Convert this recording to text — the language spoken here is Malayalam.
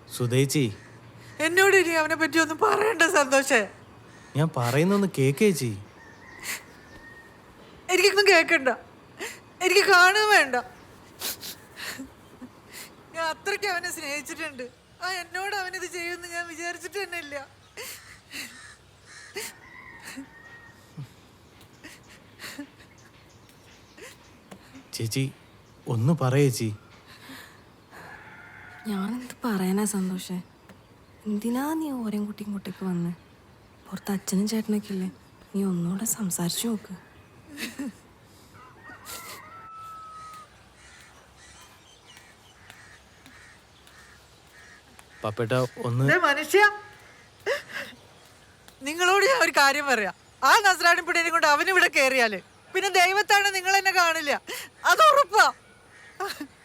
സുധേച്ചി, എന്നോട് ഇനി അവനെ പറ്റി ഒന്നും പറയണ്ട സന്തോഷേ. ഞാൻ പറയുന്നൊന്ന് കേക്കേച്ചി. എനിക്കൊന്നും കേൾക്കണ്ട, എനിക്ക് കാണുക വേണ്ട. ഞാൻ അത്രയ്ക്ക് അവനെ സ്നേഹിച്ചിട്ടുണ്ട്. എന്നോട് അവനിത് ചെയ്യുമെന്ന് ഞാൻ വിചാരിച്ചിട്ട് തന്നെ ഇല്ല. ചേച്ചി ഒന്ന് പറയേച്ചി. ഞാനെന്ത് പറയാനാ സന്തോഷേ? എന്തിനാ നീ ഓരോ കുട്ടി ഇങ്ങോട്ടേക്ക് വന്ന്? പുറത്ത് അച്ഛനും ചേട്ടനൊക്കെ ഇല്ലേ? നീ ഒന്നുകൂടെ സംസാരിച്ചു നോക്ക്. പപ്പേട്ട ഒന്ന്. മനുഷ്യ, നിങ്ങളോട് ഞാൻ ഒരു കാര്യം പറയാം. ആ നസ്രാണി പിടിയെ കൊണ്ട് അവനിവിടെ കയറിയാല് പിന്നെ ദൈവത്താണ് നിങ്ങൾ എന്നെ കാണില്ല, അത് ഉറപ്പാ.